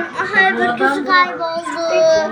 Öbür kızı kayboldu.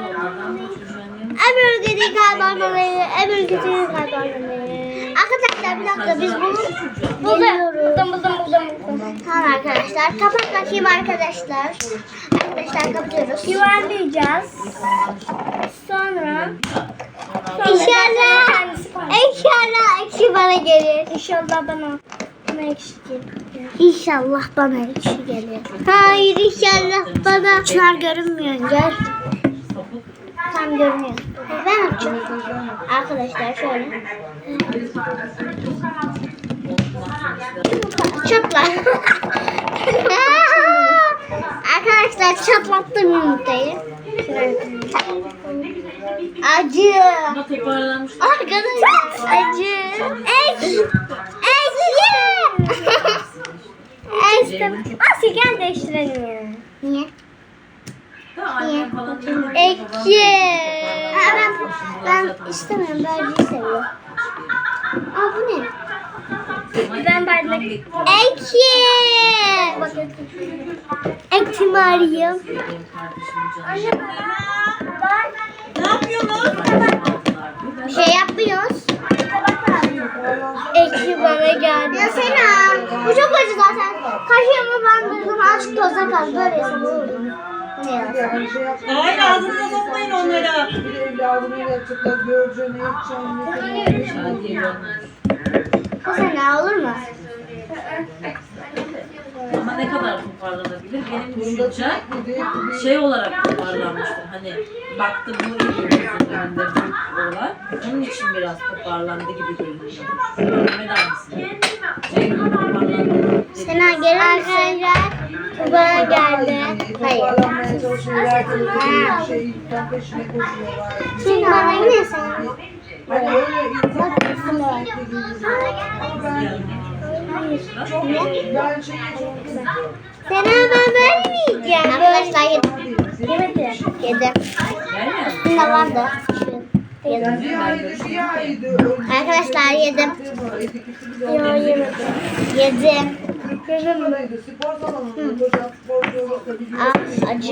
Öbür kızı kaybolmalı. Öbür kızı kaybolmalı. Arkadaşlar bir dakika biz bunu buldum. Tamam arkadaşlar. Kapat bakayım arkadaşlar. Arkadaşlar kapatıyoruz. Yuvarlayacağız. Sonra İnşallah ekşi bana gelir. İnşallah bana ekşi gelir. İnşallah bana ekşi gelir. Hayır inşallah bana. Çınar görünmüyor. Gel. Tam görünüyor. Ben açacağım. Arkadaşlar şöyle. Çatla. Arkadaşlar çatlattım yumurtayı. Acı. Arkadaşlar acı. Ekşi. Nasıl gel değiştirelim ya. Niye? Ekşi. Ben istemiyorum. Berceyi seviyorum. Aa bu ne? Ben bardak. Ekşi. Ekşi mi arayayım? Anne bak. Ne yapıyorsunuz? Şey yapmıyoruz. Ekşi bana geldi. Ya Sena. Bu çok acı zaten. Kaşığımı bandırdım. Azıcık toza kaldı. Böyle yesem olur mu? Ne yazsam? Hayır ağzınıza sokmayın onlara. Bir evladını yapacaklar, göreceğini, yapacağını. Bu Sena olur mu? Ama ne kadar toparlanabilir? Benim düşüncem şey olarak toparlanmıştır. Hani baktım bu iyi önünde büyük olan. Onun için biraz toparlandı gibi görünüyor. Mehmet abisi. Şey toparlandı. Sena gelir misin? Bu bana geldi. Hayır. Toparlanmaya çalışıyorlar. Bir şeyden peşine koşuyorlar. Şimdi bana yine Sena. Hani öyle insan ben şeyi çok kızıyorum. Sena ben vermeyeceğim. Arkadaşlar yedim. Üstünde vardı. Yedim. Bir aydı. Arkadaşlar yedim. Yedim. Spor salonunda hocam sporcu Ah acı.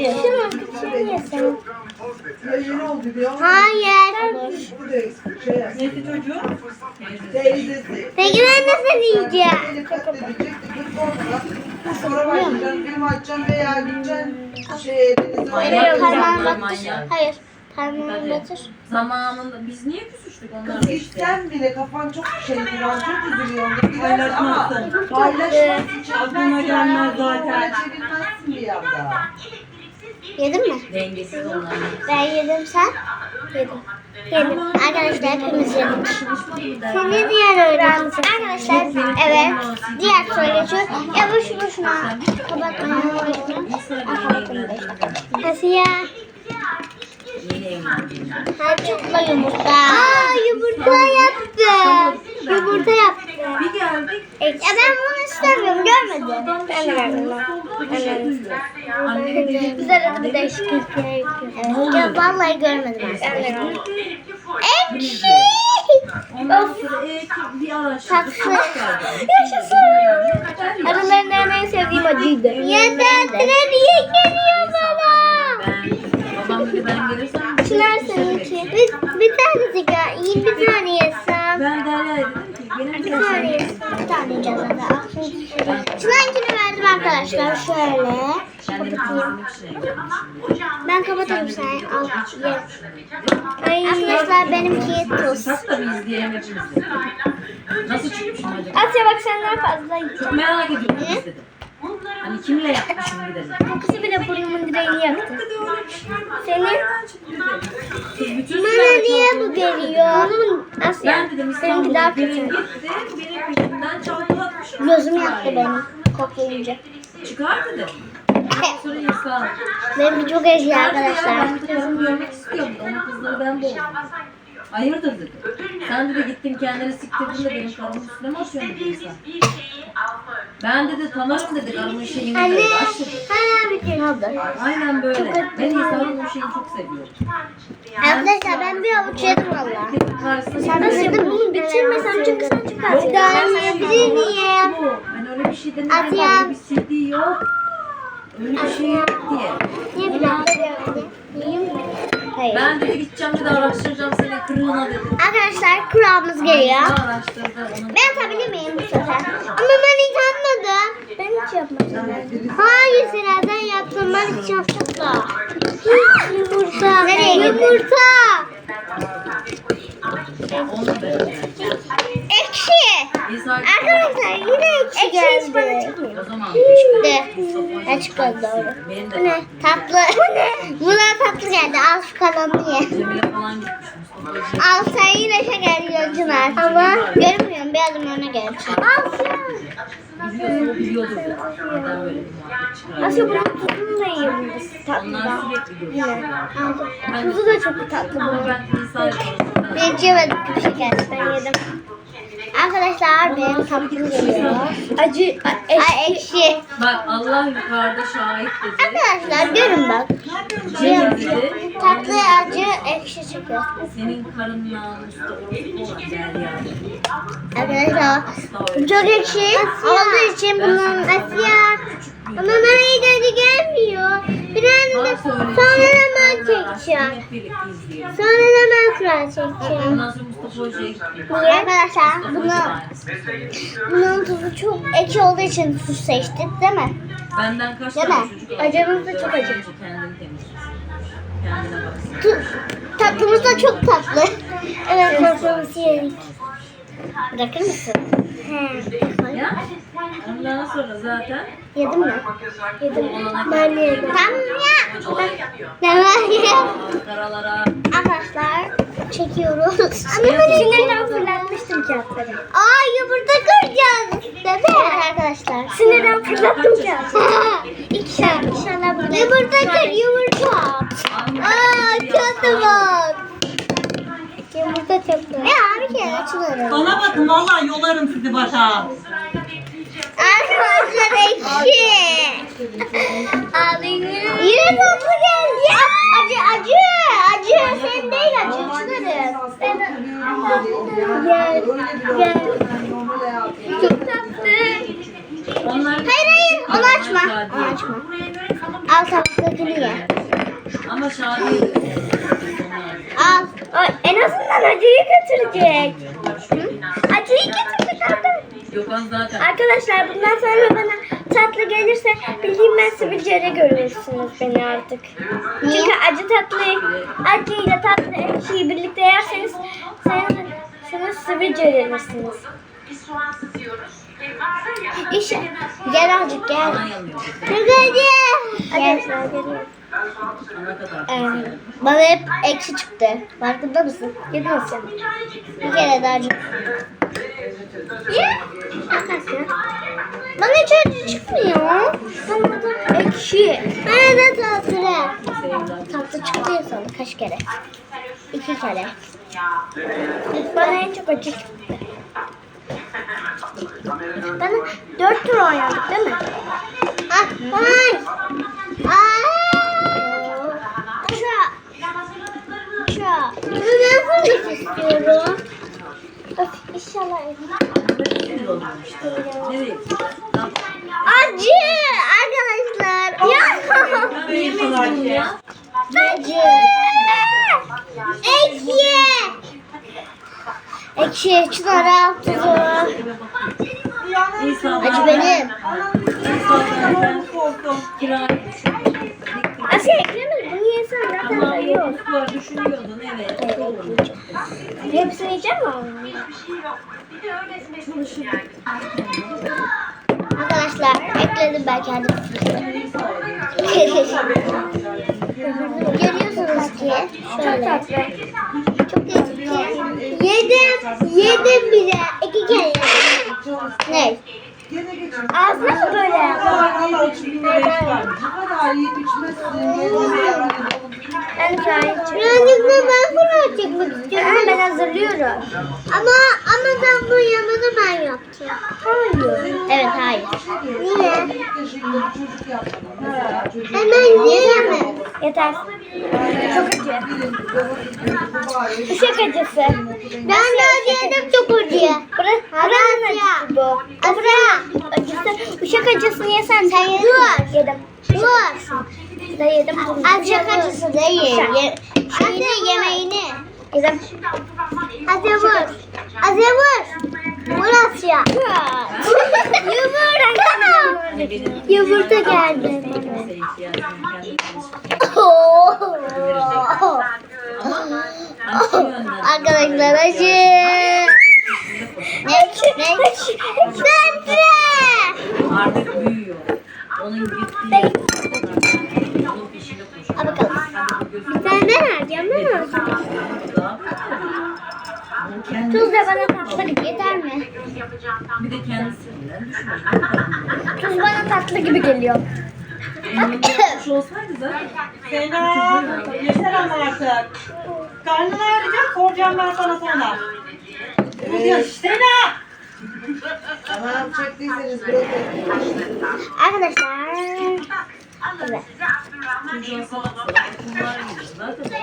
yeni oldu diyor. Hayır. Neyse çocuğu? Teyzesi. Peki ben nasıl yiyeceğim? Beni katledecekti. Sonra başlayacaksın, film açacaksın veya gideceksin denize. Hayır, Parmağımı manyak. batır. Hayır. Parmağımı batır. Zamanında biz niye küsüştük onlarla Kız işte? gitsen bile kafan çok şeydi, ben çok üzülüyorum. Gidersin ama Paylaşmazsın. paylaşmazsın, Aklına gelmez zaten. çevirmezsin bir anda. Yedin mi? Dengesiz onlar. Ben yedim sen? Yedim. Yedim. Arkadaşlar hepimiz yedik. Seni diğer öğrenci. Arkadaşlar evet. Diğer soru geçiyor. Ya boşuna kapatmayın. Nasıl ya? Yeni evlendim. Harçlıkla yumurta. Aa yumurta yaptı. Yumurta yaptı. Bir geldik. Ya ben bunu istemiyorum. Görmedim. Ben de verdim. Annem dedi. Biz arada bir değişiklik yapıyoruz. Ya vallahi görmedim. Ben de görmedim. Ekşi. Ondan sonra bir araştırdık. Tatlı. Yaşasın. Aralarından en sevdiğim acıydı. Yeter niye geliyor bana? Babam dedi ben gelirsem. Çınar seninki. Bir tanecik ya. İyi bir tane yesem. Ben Derya'ya dedim ki benim Bir tane yesem. Bir tane yiyeceğiz zaten. Çınar'ınkini verdim arkadaşlar. Şöyle. Kapatayım. Ben kapatayım sen. Al ye. Arkadaşlar benimki tuz. Sak da bir izleyelim hepimiz de. Nasıl çıkmışım acaba? Asya bak senden fazla Çok yiyeceğim. merak ediyorum dedim. Hani kimle yapmışım bir dedim. Kokusu bile burnumun direğini yaktı. Dedi öyle bir şey var. Senin? Nereden çıktı dedi. Kız bütün Bana süreler niye çalıştı. bu geliyor? Asya. Ben dedim Seninki daha İstanbul'a gelin kötü. gitti. Benim peşimden çalkalatmışım. Gözüm yaktı benim. Koklayınca. Çıkar dedim. Ondan sonra insan. Benimki çok acı arkadaşlar. Ben de kızımı görmek istiyorum. Onun kızları ben boğdum. Hayırdır dedi. Sen dedi gittin kendini siktirdin de benim karımın üstüne mi atıyorsun dedi insan. Ben dedi tanırım dedi karımın şeyini Anne. dedi. Aç dedi. Hala bir şey oldu. Aynen böyle. Ben insanın o şeyi çok seviyorum. Arkadaşlar ben bir avuç yedim valla. Karşısına Sen de yedim. Bunu bitirmesem çünkü sen çok az yedin. Ben yiyebilir miyim? Ben öyle bir şey demedim. Atiyem. Öyle bir CD yok. Öyle bir şey yok diye. Niye bilmem? Yiyeyim mi? Hayır. Ben dedi gideceğim bir de araştıracağım seni kırığına dedim. Arkadaşlar kurabımız geliyor. Araştırdı onu. Ben atabilir miyim bu sefer? Ama ben hiç atmadım. Ben hiç yapmadım. Hayır Sera'dan yaptım. Ben hiç yapmadım da. Yumurta. Nereye yumurta? Onu ben. Ekşi. İsa Arkadaşlar yine ekşi geldi. o zaman Ne çıkmadı doğru. benim Bu de ne? Tatlı. Bu ne? Buna tatlı geldi. Al şu kalanını ye. Cemile falan gitmiş Mustafa. Al sen yine şeker yiyorsun Çınar. Ama görmüyorum. Bir adım öne gel. Al sen. Biliyorsa o biliyordur ya. Neden böyle bir muhabbet çıkar? Asya bunun tuzunu da yiyebiliriz. Onlar sürekli görüyor. Tuzu da çok tatlı Ama bunun. ben İsa yaparım. Ben hiç yemedim bir şeker. Ben yedim. Arkadaşlar benim tatlım geliyor. Acı, ekşi. Bak Allah yukarıda şahit dedi. Arkadaşlar görün bak. Cem dedi. Tatlı, acı, ekşi çıkıyor. Senin karın namuslu orospu olan Derya. Arkadaşlar çok ekşi olduğu için bunun Asya. Ama bana iyi tadı gelmiyor. Biraz da sonra da ben çekeceğim. Hep birlikte izleyelim. Sonra da ben kral çekeceğim. Ondan sonra Mustafa Hoca'ya gittik. Niye? Arkadaşlar Mustafa Hoca da bunun aynısı. tuzu çok ekşi olduğu için tuz seçtik değil mi? Benden kaç Değil tane mi? çocuk Acımız da çok acı. Önce kendini temizlesin. Kendine baksın. Tatlımız da çok tatlı. Evet tatlımızı yedik. Bırakır mısın? He. Ya ondan sonra zaten Yedin mi? Yedim. Ben yedim. Tamam ya. hocalar Tamam ya. karalara Arkadaşlar çekiyoruz. Ama ben sinirden fırlatmıştım kağıtları. Aa yumurta kıracağız değil mi? Evet arkadaşlar. Sinirden fırlattım kağıtları. İnşallah burada. Yumurta kır yumurta. Aa kağıtı var. Yumurta çok güzel. Ya bir kere açılır. Bana bakın vallahi yolarım sizi başa. Arkadaşlar ekşi. Ağlayın. Yine tatlı geldi ya. Acı. Sen değil acı. Gel. Çok tatlı. onlar Hayır. Onu açma. Onu açma. Al tabaktakini ye. ama Şadiye Al. En azından acıyı götürecek. Acıyı götürecek. yok az zaten Arkadaşlar bundan sonra bana tatlı gelirse bildiğim ben sivilcere görürsünüz beni artık. Çünkü acıyla tatlı ekşiyi birlikte yerseniz siz sivilcelenirsiniz. İşte gel azıcık gel. bana yanıyor. Gel. Ana kadar. Bana hep ekşi çıktı. Farkında mısın? Yedin mi sen? Bir kere daha acı. Bana hiç acı çıkmıyor. Bana da ekşi. Bana da tatlı. Tatlı çıktı ya sana kaç kere? 2 kere. Bana en çok acı çıktı. Bana 4 tur oynadık değil mi? Ay. Ben fırlık istiyorum. Öf, inşallah. Nereye? Acı arkadaşlar. Ya. Ben yemedim ya. Acı. Ekşi. Ekşi. Çınar al tuzu. İsa Acı benim. ben kirayı Asya eklemedim. Bunu yesen zaten Tamam sayıyor. yokluk var düşünüyordun evet. Doğru. Hepsini yiyeceğim mi? Arkadaşlar ekledim ben kendim. Görüyorsunuz ki şöyle. Çok lezzetli. Yedim bile. 2 kere yedim. Ne? Ağzına mı böyle yaptın? Birazcık da ben bunu çekmek istiyorum. Ben hazırlıyorum. Ama ben bu yanını ben yapacağım. Hayır. Evet hayır. Niye? Hemen yiyemem. Yeter. Çok acı. Uşak acısı. Ben de acı yedim çok acı. Buranın acısı bu. Buranın acısı. Uşak acısını yesen sen yedin mi? Yedim. Vur. Da yedim. Azıcık acısı değil. Şeyini yemeğini. Yedim. Hadi vur. Hadi vur. Vur Asya. Yumurta geldi. Kimse ihtiyacını kendi Arkadaşlar acı. artık büyüyor. Onun gittiği onun peşinde koşuyor. Al bakalım. Bir tane vereceğim değil mi? Tuz da bana tatlı gibi yeter mi? Bir de kendisinden düşünüyor. Tuz bana tatlı gibi geliyor. Kuş olsaydı zaten. Sena yeter ama artık. Karnını ağrıyacak soracağım ben sana sonra. Evet. Sena! Tamam çektiyseniz bırakın. Arkadaşlar. Evet. Çocuğa salak salak bunlar yiyor. Zaten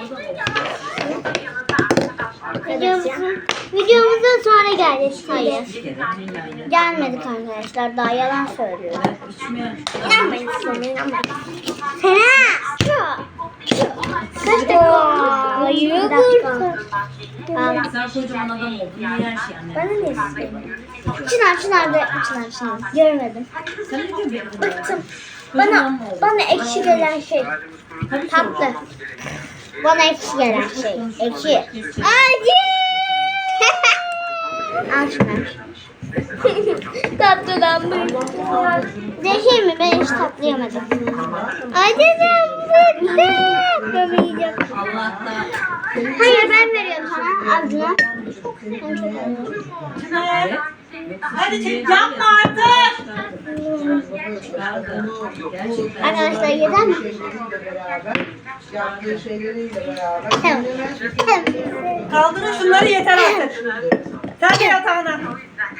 Videomuza sonra geldik. Hayır. bir kere dünyayı. Gelmedik arkadaşlar. Daha yalan söylüyorum. Ben içmeyen İnanmayın sana, inanmayın. Sena! Kaç dakika? 20 dakika. sen kocaman adam oldun. Niye her şey anne? Bana ne istiyorsun? Çınar. Görmedim. Sen ne diyorsun benim? Bıktım. Bana ekşi gelen şey. Tatlı. Bana ekşi gelen şey. Ekşi. Acı! Al şunu. Tatlıdan bıktım. Değişir mi? Ben hiç tatlı yemedim. Acıdan bıktım. Ben yiyeceğim. Allah'tan. Hayır ben veriyorum sana ağzına. Ben çok seviyorum. Çınar! Evet. Hadi çek, yapma artık! Gerçekten. Arkadaşlar yeder mi? Şeyleriyle beraber, yaptığı şeyleriyle beraber. Tamam. Kaldırın şunları yeter artık. Sen de yatağına.